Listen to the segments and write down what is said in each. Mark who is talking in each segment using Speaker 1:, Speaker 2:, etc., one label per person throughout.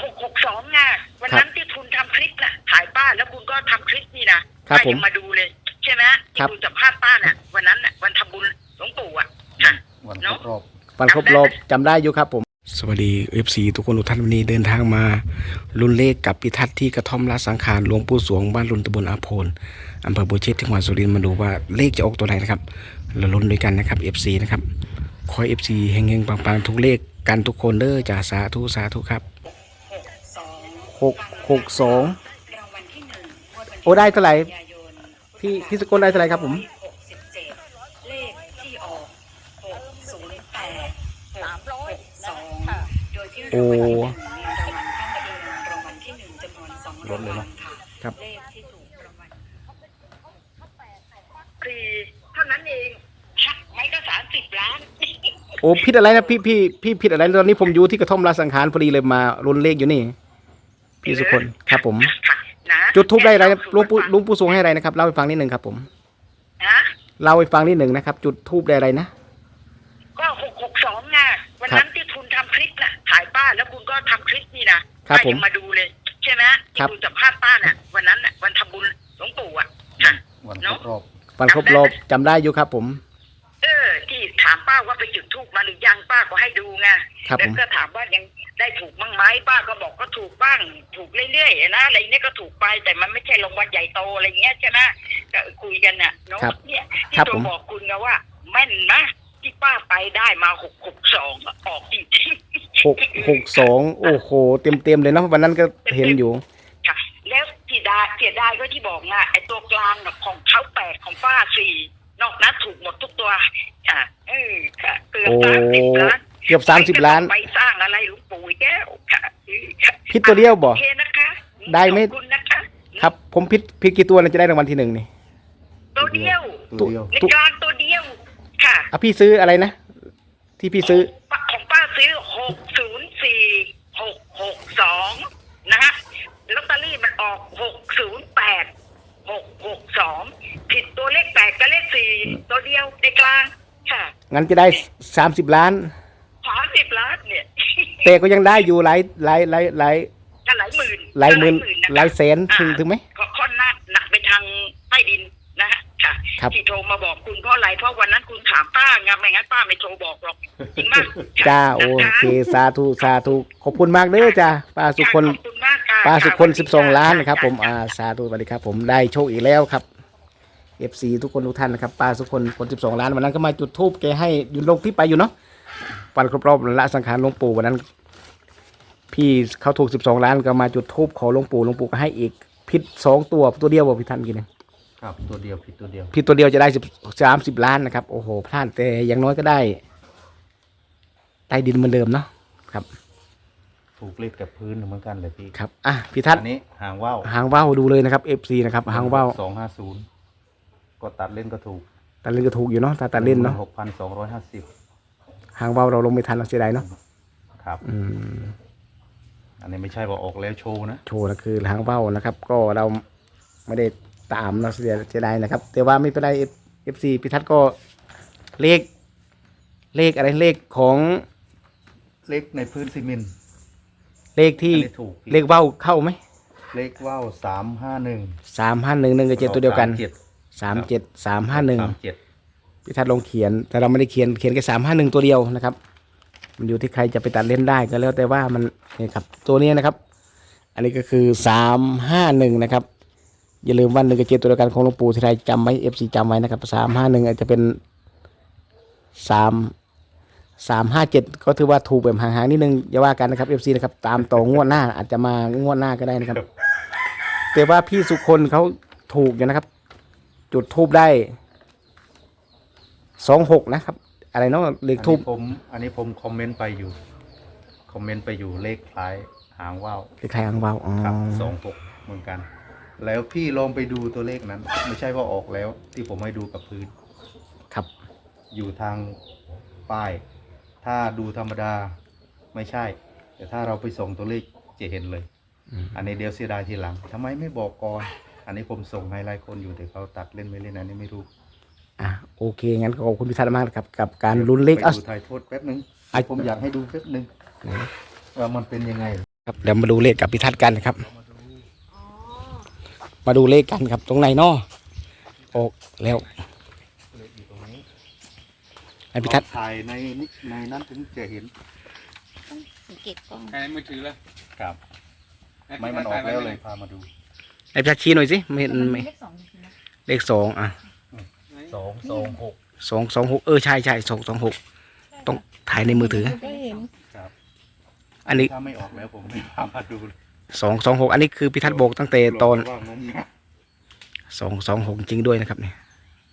Speaker 1: 662ไงวันนั้นที่คุณทำคลิปน่ะถ่ายป้าแล้วคุณก็ทำคลิปนี่นะป้ายังมาดูเลยใช่ไหมที่คุณสัมภาษณ์ป้าน่ะวันนั้นน่ะวันทำบุญหลวงปู่อ่ะ
Speaker 2: วันครบรอบ
Speaker 3: วันครบรอบจำได้อยู่ครับผมสวัสดี FC ทุกคนทุกท่านวันนี้เดินทางมาลุ้นเลขกับพิทัศน์ที่กระท่อมละสังขารหลวงปู่สวงบ้านลุนตำบลอาโพนอำเภอบัวเชษจังหวัดสุรินทร์มาดูว่าเลขจะออกตัวไหนนะครับเราลุ้นด้วยกันนะครับ FC นะครับขอ FC เฮงๆปังๆทุกเลขกันทุกคนเด้อจ่าสาธุสาธุครับ662โอ้ได้เท่าไหร่พี่สกลได้เท่าไหร่ครับผม
Speaker 1: เลขที่ออก608 โดยที่รางวัลที่1มีรางวัลข้างเคียงรางวัลที่1จำนวน2รางวัลค่ะครับเลขที่ถูกรางวัลคือเท่านั้นเองไม่ก็30 ล้าน
Speaker 3: โอ้ผิดอะไรนะพี่ผิดอะไรตอนนี้ผมอยู่ที่กระท่อมราสังขารพอดีเลยมาลุ้นเลขอยู่นี่พี่สุคนครับผมจุดทูบได้อะไรลุงปู่สวงให้อะไรนะครับเล่าให้ฟังนิดหนึ่งครับผมเล่าให้ฟังนิดหนึ่งนะครับจุดทูบได้อะไรนะ
Speaker 1: ก็662ไงวันนั้นที่คุณทำคลิปน่ะถ่ายป้าแล้วคุณก็ทำคลิปนี่นะป้ายังมาดูเลยใช่ไหมที่คุณสัมภาษณ์ป้าน่ะวันนั้นน่ะวันทำบุญหลวงปู่อ่ะ
Speaker 2: วันครบรอบ
Speaker 3: วันครบรอบจำได้อยู่ครับผม
Speaker 1: ที่ถามป้าว่าไปจุดธูปมาหรือยังป้าก็ให้ดูไงแล้วก็ถามว่ายังได้ถูกบ้างไหมป้าก็บอกก็ถูกบ้างถูกเรื่อยๆนะอะไรเนี้ยก็ถูกไปแต่มันไม่ใช่รางวัลใหญ่โตอะไรเงี้ยใช่ไหมก็คุยกันน่ะเนาะเนี่ยที่ตัวบอกคุณนะว่าแม่นนะที่ป้าไปได้มา662ออกจริง
Speaker 3: ๆ662โอ้โหเต็มเลยนะวันนั้นก็เห็นอยู่
Speaker 1: ค่ะแล้วเสียดายก็ที่บอกนะไอ้ตัวกลางของเขา8ของป้า4นอกนั้นถูกหมดทุกตัวค่ะค่ะเกือบ30 ล้าน
Speaker 3: เกือบ30 ล้าน
Speaker 1: ไปสร้างอะไรหลวงปู่แก้วค่ะ
Speaker 3: พิษตัวเดียวบ่
Speaker 1: นะคะ
Speaker 3: ได้ไหมครับผมพิษกี่ตัวจะได้รางวัลที่1นี่
Speaker 1: ตัวเดียวในกลางตัวเดียวค่ะ
Speaker 3: พี่ซื้ออะไรนะที่พี่ซื้อ
Speaker 1: ของป้าซื้อ604662นะฮะลอตเตอรี่มันออก608 662ผิดตัวเลข8กับเลข4ตัวเดียวในกลางค่ะ
Speaker 3: งั้นจะได้30 ล้าน
Speaker 1: 30 ล้านเนี่ย
Speaker 3: แต่ก็ยังได้อยู่หลาย
Speaker 1: หมื่น
Speaker 3: หลายแสนถึงไหม
Speaker 1: ค่อนหนักไปทางใต้ดินนะฮะค่ะที่โทรมาบอกคุณเพราะอะไรเพราะวันนั้นคุณถามป้าไงไม่งั้นป้าไม่โทรบอกหรอกจริงมาก
Speaker 3: จ้าโอเคสาธุขอบคุณมากเด้อจ้าป้าสุคน12 ล้านนะครับผมสาธุสวัสดีครับผมได้โชคอีกแล้วครับ FC ทุกคนทุกท่านนะครับป้าสุคน12 ล้านวันนั้นก็มาจุดธูปแกให้อยู่ลงที่ไปอยู่เนาะวันครบรอบละสังขารหลวงปู่วันนั้นพี่เขาถูก12 ล้านก็มาจุดธูปขอหลวงปู่ก็ให้อีกผิด2ตัวเดียวบอกพี่ท่านกิน
Speaker 2: ครับตัวเดียวผิดตัวเ
Speaker 3: ดียวจะได้30 ล้านนะครับโอ้โหพลาดแต่อย่างน้อยก็ได้ใต้ดินเหมือนเดิมเนาะครับ
Speaker 2: ถูกเลขกับพื้นเหมือนกันเลยพี่
Speaker 3: ครับพี่ทัศน์
Speaker 2: อันนี้หางว่
Speaker 3: าวดูเลยนะครับ FC นะครับหางว่าว
Speaker 2: 250ก็ตัดเล่นก็ถูก
Speaker 3: อยู่เนาะตัดเล่นเนาะ
Speaker 2: 6,250
Speaker 3: หางว่าวเราลงไม่ทันเราเสียดายเนาะ
Speaker 2: ครับอันนี้ไม่ใช่ว่าออกแล้วโชว์นะ
Speaker 3: คือหางว่าวนะครับก็เราไม่ได้ตามเราเสียดายนะครับแต่ว่าไม่เป็นไร FC พี่ทัศน์ก็เลขอะไรเลขของ
Speaker 2: เลขในพื้นซีเมนต์
Speaker 3: เลขที่เลขว่าวเข้าไหม
Speaker 2: เลขว่าว
Speaker 3: 351กับ7ตัวเดียวกัน37 351พี่ทัศน์ลงเขียนแต่เราไม่ได้เขียนแค่351ตัวเดียวนะครับมันอยู่ที่ใครจะไปตัดเล่นได้ก็แล้วแต่ว่ามันนี่ครับตัวนี้นะครับอันนี้ก็คือ351นะครับอย่าลืมวัน1กับ7ตัวเดียวกันของหลวงปู่ที่ใครจำไว้ FC จำไว้นะครับ351อาจจะเป็น357ก็ถือว่าถูกแบบห่างๆนิดนึงอย่าว่ากันนะครับ FC นะครับตามต่องวดหน้าอาจจะมางวดหน้าก็ได้นะครับแต่ว่าพี่สุคนเขาถูกอยู่นะครับจุดทูบได้26นะครับอะไรเนาะเลขทูบ
Speaker 2: อันนี้ผมคอมเมนต์ไปอยู่เลขคล้ายหางว่าว
Speaker 3: ครับ
Speaker 2: 26เหมือนกันแล้วพี่ลองไปดูตัวเลขนั้นไม่ใช่ว่าออกแล้วที่ผมให้ดูกับพื้น
Speaker 3: ครับ
Speaker 2: อยู่ทางป้ายถ้าดูธรรมดาไม่ใช่แต่ถ้าเราไปส่งตัวเลขจะเห็นเลยอันนี้เดี๋ยวเสียดายทีหลังทำไมไม่บอกก่อนอันนี้ผมส่งให้หลายคนอยู่แต่เขาตัดเล่นไม่เล่นอันนี้ไม่รู้
Speaker 3: โอเคงั้นขอบคุณพิทัศน์มากครับกับการลุ้นเลข
Speaker 2: ดูถ่ายโทษแป๊บนึงผมอยากให้ดูแป๊บนึงว่ามันเป็นยังไง
Speaker 3: ครับเดี๋ยวมาดูเลขกับพิทัศน์กันนะครับ มาดูเลขกันครับตรงไหนเนาะออกแล้ว
Speaker 2: เลขอยู่ตรงนี้
Speaker 3: ให้พิทัศน์
Speaker 2: ถ่ายในนั้นถึงจะเห็น
Speaker 4: สังเกตกล้อง
Speaker 5: ใช้มือถือเลย
Speaker 2: ครับ ไม่มันออกแล้วเลยพามาดู
Speaker 3: ให้พิทัศน์ชี้หน่อยสิไม่เห็น
Speaker 4: มัน
Speaker 3: ไม่
Speaker 4: เลขสองจริงๆนะ
Speaker 3: เลขสองอ่ะ
Speaker 2: 226
Speaker 3: 226ใช่226ต้องถ่ายในมือถือ
Speaker 4: ก็เห็น
Speaker 2: ครับ
Speaker 3: อันนี้
Speaker 2: ถ้าไม่ออกแล้วผมไม่พามาดูเลย
Speaker 3: 226อันนี้คือพิทัศน์บอกตั้งแต่ตอน
Speaker 2: ว่างงนะ
Speaker 3: 226จริงด้วยนะครับเนี่ย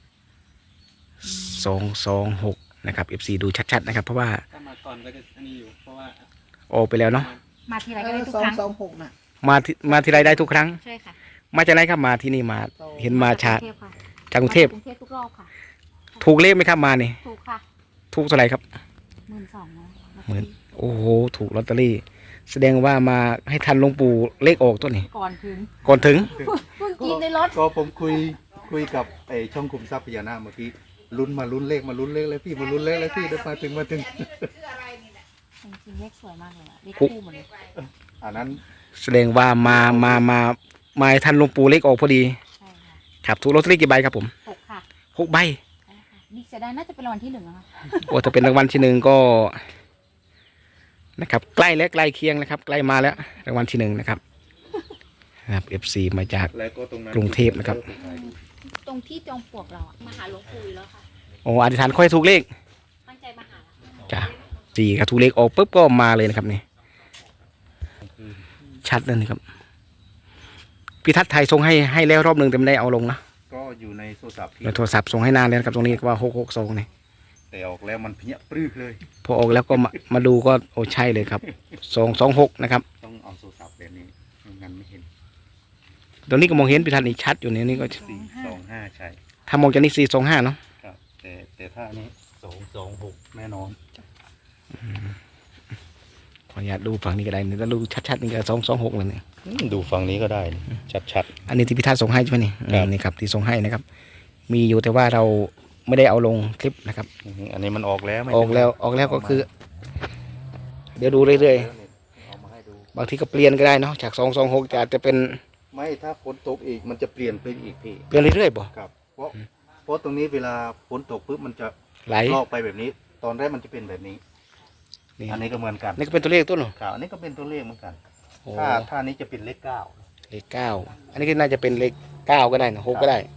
Speaker 3: 226นะครับ FC ดูชัดๆนะครับ เพราะว่า
Speaker 5: ถ้ามาก่อนก็จะอันนี้อยู่เพราะว่า
Speaker 3: ออกไปแล้วเนาะ
Speaker 4: มาทีไรก็ได้ทุกครั้ง
Speaker 6: 226น่ะ
Speaker 3: มาทีไรได้ทุกครั้ง
Speaker 4: ใช่ค่ะ
Speaker 3: มาจากไหนครับมาที่นี่มาเห็นมาชา
Speaker 4: กรุงเทพค่ะ
Speaker 3: จากกรุงเทพ
Speaker 4: กรุงเทพทุกรอบค่ะ
Speaker 3: ถูกเลขไหมครับมานี่
Speaker 4: ถูกค่ะ
Speaker 3: ถูกเท่าไหร่ครับ
Speaker 4: 12,000นะ
Speaker 3: หมื่น โอ้โหถูกลอตเตอรี่ แสดงว่ามาให้ทันหลวงปู่เลขออกตัวนี้
Speaker 4: ก่อนถึง
Speaker 3: ก่อนถึง
Speaker 4: เพิ่งกินในรถ
Speaker 2: ก็ผมคุยกับไอ้ช่องคุมทรัพย์พญานาคเมื่อกี้ลุ้นเลขแล้วพี่มาลุ้นเลขแล้วพี่เดี๋ยวมาถึง
Speaker 4: จริงๆเลขสวยมากเลยอะเลขคู่หมดเลย
Speaker 2: อันนั้น
Speaker 3: แสดงว่ามาให้ทันหลวงปู่เลขออกพอดี
Speaker 4: ใช่ค่ะ
Speaker 3: ครับถูกลอตเตอรี่กี่ใบครับผม
Speaker 4: 6ค่ะ
Speaker 3: 6 ใบ
Speaker 4: ใช่ค่ะดีเสียดายน่าจะเป็นรางวัลที่1นะคะ
Speaker 3: โอ้ถ้าเป็นรางวัลที่หนึ่งก็นะครับใกล้และใกล้เคียงนะครับ ใกล้มาแล้วรางวัลที่หนึ่งนะครับนะครับ FC มาจาก
Speaker 2: แล้วก็ตรงนั้น
Speaker 3: กรุงเทพนะครับ
Speaker 4: ตรงที่จอมปลวกเราอะมาหาหลวงปู่อยู่แล้วค่ะ
Speaker 3: โอ้อธิษฐานค่อยถูกเลข
Speaker 4: ตั้งใจมาหาแล้ว
Speaker 3: จ้ะสี่ครับถูกเลขออกปุ๊บก็มาเลยนะครับนี่ชัดเลยนะครับพี่ทัศน์ไทยส่งให้แล้วรอบหนึ่งแต่ไม่ได้เอาลงนะ
Speaker 2: ก็อยู่ในโทรศัพท์พี่
Speaker 3: ในโทรศัพท์ส่งให้นานแล้วนะครับตรงนี้ว่า662นี่
Speaker 2: แต่ออกแล้วมันเพี้ยปรื้กเลย
Speaker 3: พอออกแล้วก็มาดูก็โอ้ใช่เลยครับ226นะครับ
Speaker 2: ต้องเอาโทรศัพท์แบบนี้ไม่งั้นไม่เห็น
Speaker 3: ตรงนี้ก็มองเห็นพี่ทัศน์นี่ชัดอยู่เนี่ยนี่ก็
Speaker 2: 425ใช่
Speaker 3: ถ้ามองจากนี้425เนาะ
Speaker 2: ครับ แต่ถ้าอันนี้226แน่นอน
Speaker 3: ขออนุญาตดูฝั่งนี้ก็ได้นี่ถ้าดูชัดๆนี่ก็226เลยเนี่ย
Speaker 2: ดูฝั่งนี้ก็ได้ชัด
Speaker 3: อันนี้ที่พี่ทัศน์ส่งให้ใช่ไหมนี่
Speaker 2: ครับ
Speaker 3: นี่ครับที่ส่งให้นะครับ มีอยู่แต่ว่าเราไม่ได้เอาลงคลิปนะครับ
Speaker 2: ๆอันนี้มันออกแล้วไม่
Speaker 3: ออกแล้วก็คือ เดี๋ยวดูเรื่อย
Speaker 2: เอามาให้ดู
Speaker 3: ๆบางทีก็เปลี่ยนก็ได้เนาะจาก226จะอาจจะเป็น
Speaker 2: ไม่ถ้าฝนตกอีกมันจะเปลี่ยนไปอีกพี่
Speaker 3: เปลี่ยนเรื่อยๆบ่
Speaker 2: ครับเพราะตรงนี้เวลาฝนตกปุ๊บมันจะ
Speaker 3: ไหล
Speaker 2: ลอกไปแบบนี้ ตอนแรกมันจะเป็นแบบนี้
Speaker 3: นี่
Speaker 2: อันนี้ก็เหมือนกัน
Speaker 3: นี่ก็เป็นตัวเลขตัวหนึ่ง
Speaker 2: ครับอันนี้ก็เป็นตัวเลขเหมือนกัน
Speaker 3: โอ้
Speaker 2: ถ้านี้จะเป็นเลข 9
Speaker 3: เลข9อันนี้ก็น่าจะเป็นเลข9ก็ได้นะ6ก็ได้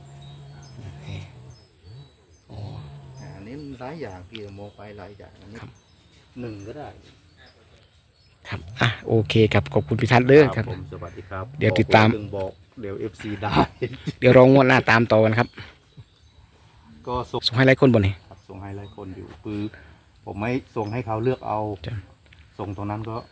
Speaker 3: โอ้
Speaker 2: อันนี้มันหลายอย่างพี่มองไปหลายอย่างอันนี้
Speaker 3: ครับ
Speaker 2: 1ก็ได้
Speaker 3: ครับอ่ะโอเคครับขอบคุณพี่ทัศน์เด้อครับ
Speaker 2: ผมสวัสดีครับ
Speaker 3: เดี๋ยวติดตาม
Speaker 2: บอกเดี๋ยว FC ได้
Speaker 3: เดี๋ยวรองวดหน้าตามต่อกันครับ
Speaker 2: ก็ส่ง
Speaker 3: ส่งให้หลายคนบ่นี่
Speaker 2: ครับส่งให้หลายคนอยู่คือผมไม่ส่งให้เขาเลือกเอา
Speaker 3: จ้ะ
Speaker 2: ส่งตรงนั้นก็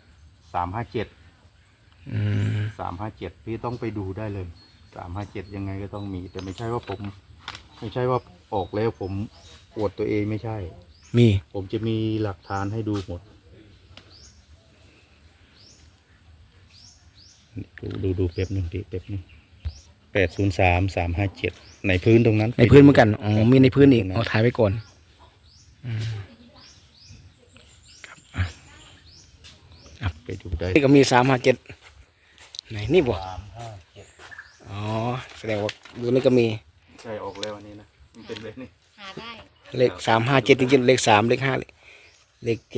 Speaker 2: 357
Speaker 3: อืม
Speaker 2: 357พี่ต้องไปดูได้เลย357ยังไงก็ต้องมี แต่ไม่ใช่ว่าออกแล้วผมอวดตัวเองไม่ใช่
Speaker 3: มี
Speaker 2: ผมจะมีหลักฐานให้ดูหมด ดูแป๊บหนึงพี่แป๊บหนึง803357ในพื้นตรงนั้น
Speaker 3: ในพื้นเหมือนกันอ๋อมีในพื้นอีกเอาถ่ายไว้ก่อนอืม
Speaker 2: ไปดูได้
Speaker 3: นี่ก็มี357ไหนนี่บ่
Speaker 2: 357
Speaker 3: อ๋อแสดงว่าดูนี่ก็มี
Speaker 2: ใช่ออกแล้วอันนี้นะมันเป็นแบบนี้
Speaker 4: หาได้
Speaker 3: เลข357จริงๆเลข3เลข5เลข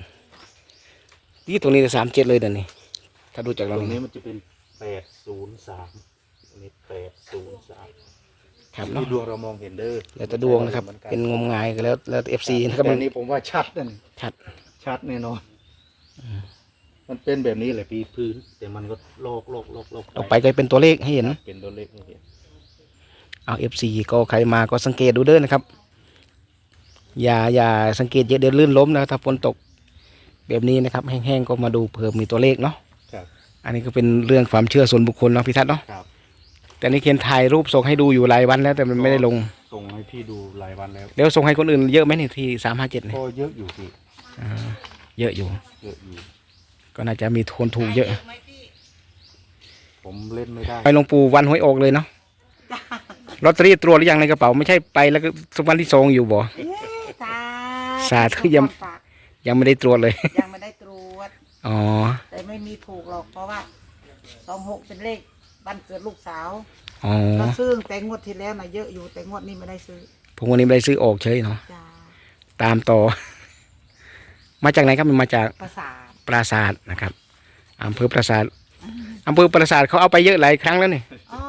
Speaker 3: 7นี่ตรงนี้37เลยเดี๋ยวนี้ถ้าดูจาก
Speaker 2: ต
Speaker 3: เรา
Speaker 2: รงนี้
Speaker 3: นี้
Speaker 2: มันจะเป็น803อันนี้803
Speaker 3: ครับเนาะ
Speaker 2: ที่ดวงเรามองเห็นเด้อ
Speaker 3: แล้วแต่ดวงนะครับ เป็นงมงายก็แล้วแต่ FC นะครับ
Speaker 2: แต่
Speaker 3: มัน
Speaker 2: นี้ผมว่าชัดนั่น
Speaker 3: ชัด
Speaker 2: แน่นอนมันเป็นแบบนี้แหละพี่พื้น แต่มันก็โลก
Speaker 3: ออกไปก็เป็นตัวเลขให้เห็น
Speaker 2: เป็นตัวเลขให้เห็น
Speaker 3: เอา FC ก็ใครมาก็สังเกตดูเด้อนะครับ อย่าสังเกตเยอะเดี๋ยวลื่นล้มนะถ้าฝนตกแบบนี้นะครับแห้งๆก็มาดูเพิ่มมีตัวเลขเนาะ
Speaker 2: ครับ
Speaker 3: อันนี้ก็เป็นเรื่องความเชื่อส่วนบุคคลเนาะพี่ทัศน์เนาะ
Speaker 2: ครับ
Speaker 3: แต่นี่เขียนถ่ายรูปส่งให้ดูอยู่หลายวันแล้วแต่มันไม่ได้ลง
Speaker 2: ส่งให้พี่ดูหลายวันแล้ว
Speaker 3: เดี๋ยวส่งให้คนอื่นเยอะไหมนี่ที่357เนี่ย
Speaker 2: ก็เยอะอยู่พี่
Speaker 3: เยอะอยู่
Speaker 2: เยอะอยู่
Speaker 3: ก็น่าจะมีคนถูกเยอะ
Speaker 2: ผมเล่นไม่ได้
Speaker 3: ไปหลวงปู่วันหวยออกเลยเนาะลอตเตอรี่ตรวจหรือยังในกระเป๋าไม่ใช่ไปแล้วก็สักวันที่2อยู่บ่ สาธุยังไม่ได้ตรวจเลย
Speaker 6: ยังไม่ได้ตรวจ
Speaker 3: อ๋อ
Speaker 6: แต่ไม่มีถูกหรอกเพราะว่า26เป็นเลขวันเกิดลูกสาว
Speaker 3: อ๋อ
Speaker 6: ก็ซื้อแต่งวดที่แล้วนะเยอะอยู่แต่งวดนี้ไม่ได้ซื้อ
Speaker 3: ผมวันนี้ไม่ได้ซื้อออกเฉยเนาะ
Speaker 6: จ้า
Speaker 3: ตามต่อ มาจากไหนครับมันมาจาก
Speaker 6: ประสาท
Speaker 3: ปราสาทนะครับอำเภอปราสาทอำเภอปราสาทเขาเอาไปเยอะหลายครั้งแล้วนี่
Speaker 6: อ๋อ